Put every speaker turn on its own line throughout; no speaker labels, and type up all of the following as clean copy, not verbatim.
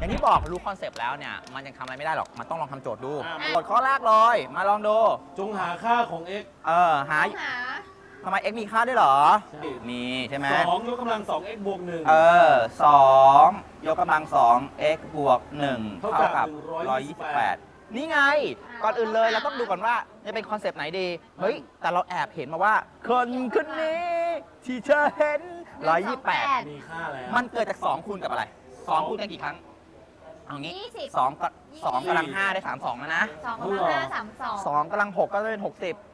อย่างที่บอกรู้คอนเซปต์แล้วเนี่ยมันยังทำอะไรไม่ได้หรอกมันต้องลองทำโจทย์ดู
อ่ะ
โจทย์ข้อแรกเลยมาลองดู
จงหาค่าของ x
หาทำไม x มีค่าด้วยเหรอ
ใช่
มีใช่ไหม
2 ยกกำลัง 2x บวก 1
2 ยกกำลัง 2 x บวก 1
เท่า
เท่า
กั
กับ บ 128 นี่ไง ก่อนอื่นเลยเราต้องดูก่อนว่าจะเป็นคอนเซปต์ไหนดี เฮ้ย แต่เราแอบเห็นมาว่า คนคนนี้ที่เธอเห็น 128
มีค่าแล้ว
มันเกิดจาก 2 คูณกับอะไร 2 คูณกันกี่ครั้ง เอางี้
20
2กำลัง 5 ได้ 32 แล้วนะ
2 กำลัง 5 32
2กำลัง 6 ก็จะเป็น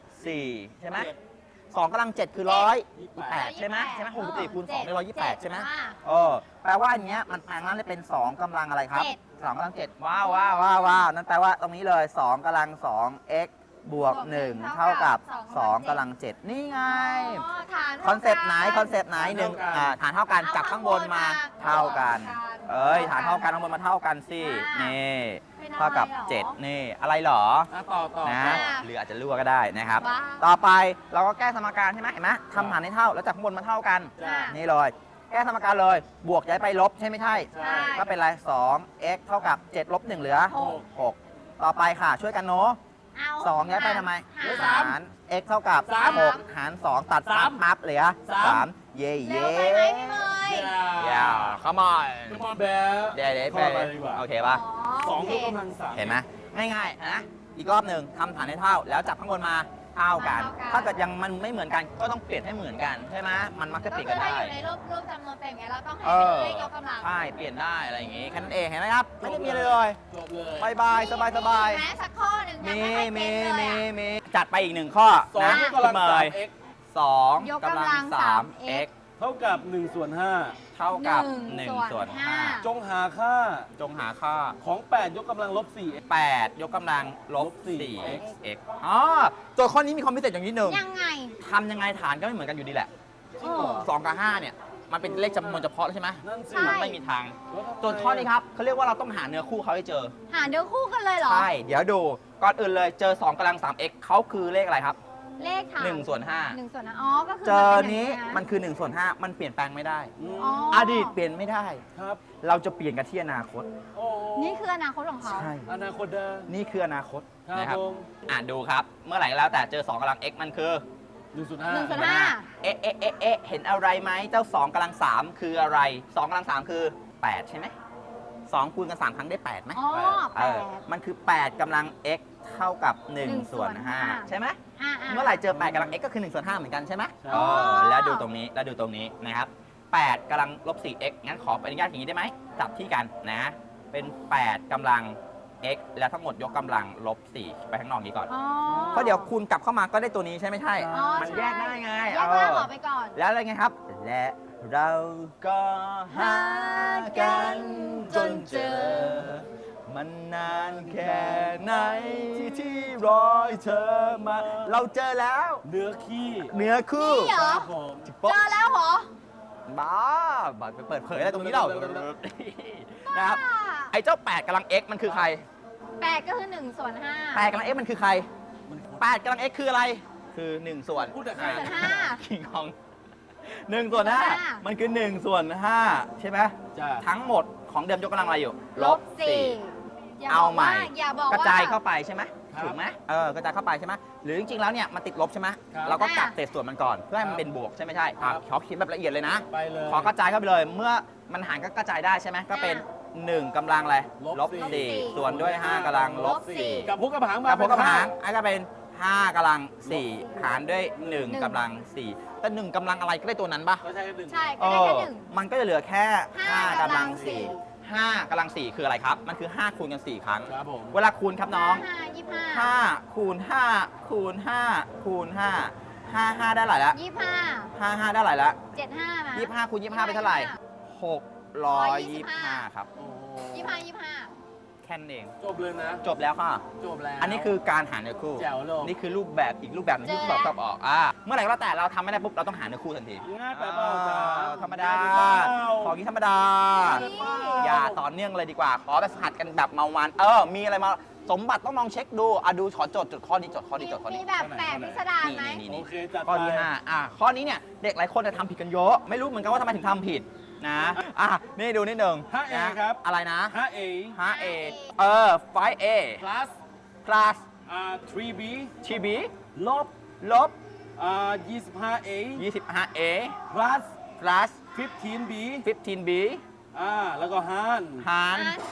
64 ใช่ไหม2กำลัง 7 คือ 128 ใช่ไหม64คูณ2ได้128 ใช่ไหมแปลว่าอันเนี้ยมันแปลงนั้นเลยเป็น 2กำลังอะไรครับ 2กำลัง 7 ว้าวนั่นแปลว่าตรงนี้เลย 2กำลัง 2 x บวก 1 เท่ากับ 2กำลัง 7 นี่ไง คอนเซปต์ไหนหนึ่งฐานเท่ากันจับข้างบนมาเท่ากัน ฐานเท่ากันข้างบนมาเท่ากันสินี่เท่ากับ 7 นี่อะไรเหรอ
ต่อ
นะหรืออาจจะรั่วก็ได้นะครับ ต่อไปเราก็แก้สมการใช่ไหมเห็นไหมทำฐานให้เท่าแล้วจับข้างบนมาเท่ากัน
จ้ะ
นี่เลย แก้สมการเลยบวกย้ายไปลบใช่ไม่ใช่
ใช่
ก็เป็นไร2 x เท่ากับ7ลบ1เหลือ 6 ต่อไปค่ะช่วยกันเนาะ2ย้ายไปทำไมหาร x เท่ากับ6หาร2ตัดปั๊บเหลือ3เย่
เร็วไปไหมพี่เมย์
ย่า come on
คือมอนแบบ
เดี๋ยว
ข้ออะไรดีกว่า
โอเคป่ะ
2 ยกกำลัง 3
เห็นไหมง่ายๆนะอีกรอบหนึ่งทำฐานให้เท่าแล้วจับข้างบนมาเท่ากัน ถ้าเกิดยังมันไม่เหมือนกันก็ต้องเปลี่ยนให้เหมือนกันใช่ไหมมันมักจะเปลี่ยนกันได้
ก็คือถ้าอยู่ในรูปจำนวนเป็นไงเราต้องให้
เออ
เลขยกกำลัง
ใช่เปลี่ยนได้อะไรอย่างงี้แค่นั้นเองเห็นไหมครับไม่ได้มีอะไรเลย
จบเลย
บายสบาย
แม้สักข้อหนึ่งยัง
มี
ไม่ให้เป็นเลยอะ
มีจัดไปอีกหนึ่งข้อ
2
นะ
ยกกำลัง
คุณเมย์
3x
2
ยกกำลัง
3x
เท่ากับ1ส่วน
เท่ากับ
หนึ่ง
1 ส่วน
5 จงหาค่า
5จงหาค่า
ของ 8 ยกกำลังลบ 4x
8 ยกกำลังลบ 4x โจทย์ข้อนี้มีความพิเศษอย่างนี้หนึ่ง
ยังไง
ทำยังไงฐานก็ไม่เหมือนกันอยู่ดีแหละ
จริงเหรอ
2 กับ 5 เนี่ย มันเป็นเลขจำนวนเฉพาะแล้วใช่ไหม
นั่นสิ
ใช่
มันไม่มีทาง
แล้วทำไม
โจทย์ข้อนี้ครับเขาเรียกว่าเราต้องหาเนื้อคู่เขาให้เจอ
หาเนื้อคู่กันเลยเหรอ
ใช่ เดี๋ยวดู ก่อนอื่นเลยเจอ 2กำลัง 3x เขาคือเลขอะไรครับ
เลขฐาน
1 ส่วน
1 ส่วนอ๋อก็คือ
5 เจอ
มัป็
นี้
ย่าง
มันคือ 1 ส่วน 5 มันเปลี่ยนแปลงไม่ได้
อืม
อ๋อ
อดีตเปลี่ยนไม่ได้
ครับ
เราจะเปลี่ยนกันที่อนาคต
โอ้
นี่คืออนาคตของเขา
ใช่
อนาคตเดิม
นี่คืออนาคต
ครับ
นะครับ
ผม
ดูครับ เมื่อไหร่ก็แล้วแต่เจอ 2กำลัง x มันคือ
1ส่วน
1 ส่วน
5
5
เห็นอะไรไหมเจ้า2กำลัง 3 คืออะไร 2กำลัง 3 คือ 8 ใช่ไหม2คูณกัน 3 ครั้งได้ 8ไหม
อ๋อ
มันคือ 8กำลัง x เท่ากับ 1 ส่วน 5 ใช่ไหม
8
เมื่อไหร่เจอ 8กำลัง x ก็คือ 1 ส่วน 5 เหมือนกันใช่ไหม
ใช่
แล้วดูตรงนี้นะครับ 8กำลังลบ 4x งั้นขออนุญาตอย่างนี้ได้ไหมจับที่กันนะ เป็น 8กำลัง x แล้วทั้งหมดยกกำลังลบ 4 ไปข้างนอกนี้ก่อน
อ๋อ
เพราะเดี๋ยวคูณกลับเข้ามาก็ได้ตัวนี้ใช่ไหมใช่
อ๋อ
มันแยกได้ไง
แยกล่างออกไปก่อน
แล้วอะไรไงครับ และเราก็หากันจนเจอ มันนานแค่ไหนที่รอให้เธอมา เราเจอแล้ว
เนื้อขี้
เนื้อคู่
นี่เหรอ
ครับผม
เจอแล้วเหรอ
บ้าไปเปิดเผยอะไรตรงนี้เรานะครับ ไอ้เจ้า 8กำลัง x มันคือใคร
8 ก็คือ 1 ส่วน 5
8กำลัง x มันคือใคร 8กำลัง x คืออะไร คือ 1 ส่วน
พูดแต่ใคร
1 ส่วน
คิงคอง1 ส่วน 5 มันคือ 1 ส่วน 5 ใช่ไหม
จ้า
ทั้งหมดของเดิมยกกำลังอะไรอยู่
5ลบ 4
เอาใหม่
อย่าบอก
กระ
ว่า
จายเข้าไปใช่ไหม
ครับ
ถูกไหมกระจายเข้าไปใช่ไหมหรือจริงๆแล้วเนี่ยมันติดลบใช่ไหม
ครับ
เราก็กลับเศษส่วนมันก่อนเพื่อให้มัน
ครับ
เป็นบวกใช่ไหมใช่
ครับ
ขอเขียนแบบละเอียดเลยนะ
ไปเลย
ขอกระจายเข้าไปเลย เมื่อมันหารก็กระจายได้ใช่ไหมก็เป็น 1กำลังอะไร
ลบ
4ส่วนด้วย 5กำลังลบ4
กับพวกกับหาง
กั
มา
บพกกับ
เป็น
หางอันก็เป็น5กำลัง4หารด้วย1กำลัง4แต่1กำลังอะไรก็ได้ตัวนั้นปะ
ก็ใช่หนึ่ง
ใช่ก็ได้แค่หนึ่ง
มันก็จะเหลือแค่
ห้า
5กำลัง
กำลังสี่
4 5กำลัง4คืออะไรครับ มันคือ 5 คูณกัน 4 ครั้ง
ครับผม
เวลาคูณครับน้อง
5
5 คูณ 5 คูณ 5 คูณ 5 5 ได้เท่าไหร่ละ
25
5 ได้เท่าไหร่ละ
75มา
25 คูณ 25เป็นเท่าไหร่ 625 ครับ
โอ้โห
25
แค่นั้นเอง
จบเลยนะ
จบแล้วค่ะ
จบแล้ว
อันนี้คือการหาเนื้อคู่
แจ๋วเลย
นี่คือรูปแบบอีกรูปแบบหนึงที่สอบชอบออกเมื่อไหร่ก็แล้วแต่เราทำไม่ได้ปุ๊บเราต้องหาเนื้อคู่ทันที
ง่ายไปเปล่าจ๊ะ
ธรรมดา
ง่ยไปเปล่า
ของนี้ธรรมดา
ง่ายไปเปล่า
อย่าต่อเนื่องเลยดีกว่า ขอแบบหัดกันแบบเมามันมีอะไรมาสมบัติต้องลองเช็คดูดูขอจดข้อนี้จดข้อนี้จดข้อ
มี
นี้
แบบแปลกพิสดารไหม
นี่
โอเคจัด
ข้อที่
ไป
5ข้อนี้เนี่ยเด็กหลายคนจะทำผิดกันเยอะ ไม่รู้เหมือนกันว่าทำไมถึงทำผิดนะอ่ะนี่ดูนิดหนึ่ง
5A
นะ
ครับ
อะไรนะ
5A
5A 5A
plus
plus
3B
TB
ลบ
ลบ
25A
25A
plus
plus
15B
15B
แล้วก็หาร
หาร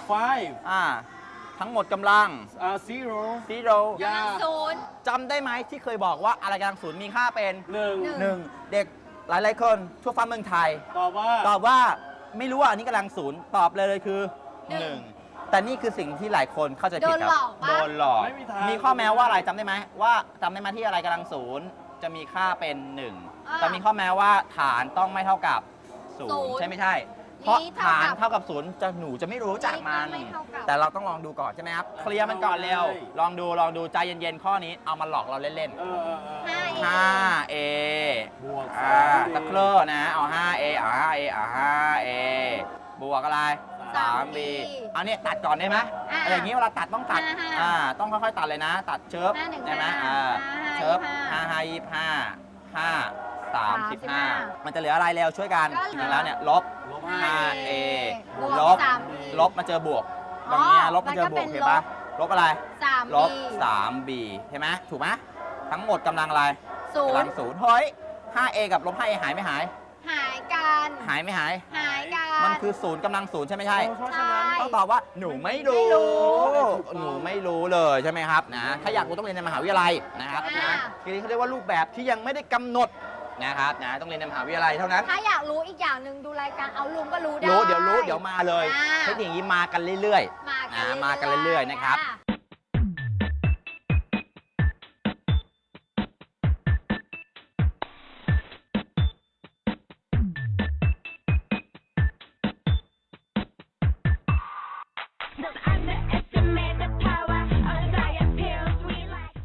5
ทั้งหมดกำลัง
0
0
ยา
ศูนย์
จำได้ไหมที่เคยบอกว่าอะไรกำลังศูนย์มีค่าเป็น
1
1 เด็กหลายๆคนทั่วฟ้าเมืองไทย
ตอบว่า
ตอบว่าไม่รู้ว่าอันนี้กำลังศูนย์ตอบเลยคือ
หนึ่ง
1 แต่นี่คือสิ่งที่หลายคนเข้าใจผิดค
โด
รั
นหลอกปะ
โดนหลอก
ไม่มีทาง
มีข้อแม้ว่าอะไรจำได้ไหมว่าจำได้ไหมที่อะไรกำลังศูนย์จะมีค่าเป็น 1 แต่มีข้อแม้ว่าฐานต้องไม่เท่ากับ0ใช่ไม่ใช่ เพราะฐานเท่ากับ0หนูจะไม่รู้จักมัน
ไม่เท่ากับ
แต่เราต้องลองดูก่อนใช่ไหมครับเคลียร์มันก่อนเร็วลองดูใจเย็นๆข้อนี้เอามาหลอกเราเล่นๆ 5A
บวก
สักครู่นะ เอา 5A เอา 5A เอา 5A บวกอะไร 3B เอาเนี่ยตัดก่อนได้ไหมอะไรอย่างนี้เวลาตัดต้องตัด ต้องค่อยๆตัดเลยนะ ตัดเชิฟได้ไหมเชิฟ5 5 25 5 35 มันจะเหลืออะไรเร็วช่วยกันถึงแล้วเนี่ยลบ
ลบ
5A ลบ
3B
ลบมาเจอบวกตรงเนี้ยลบมาเจอบวกเห็นปะลบอะไร
3B
ลบ 3B เห็นไหมถูกไหมทั้งหมดกำลังอะไร
ศู
กำลั
น
ง
ย์
ศูนย์เฮ้ย 5A กับลบ 5A หายไม่หาย
หายกัน
หายไม่หาย
หายกัน
มันคือศูนย์กำลังศูนย์ใช่ไหมใช่
เพราะฉะนั้น
ใช่
ต้องตอบว่าหนูไม่รู้
ไม่รู้
หนูไม่รู้เลยใช่ไหมครับนะ ถ้าอยากรู้ต้องเรียนในมหาวิทยาลัยนะครับนะทีนี้เขาเรียกว่ารูปแบบที่ยังไม่ได้กำหนดนะครับนะต้องเรียนในมหาวิทยาลัยเท่านั้น
ถ้าอยากรู้อีกอย่างหนึ่งดูรายการเอาลุงก็รู้ได้
เดี๋ยวมาเลย
อ่า
เทคนิคนี้มากันเรื่อยๆ
มา
มากันเรื่อยๆนะครับ
อ่า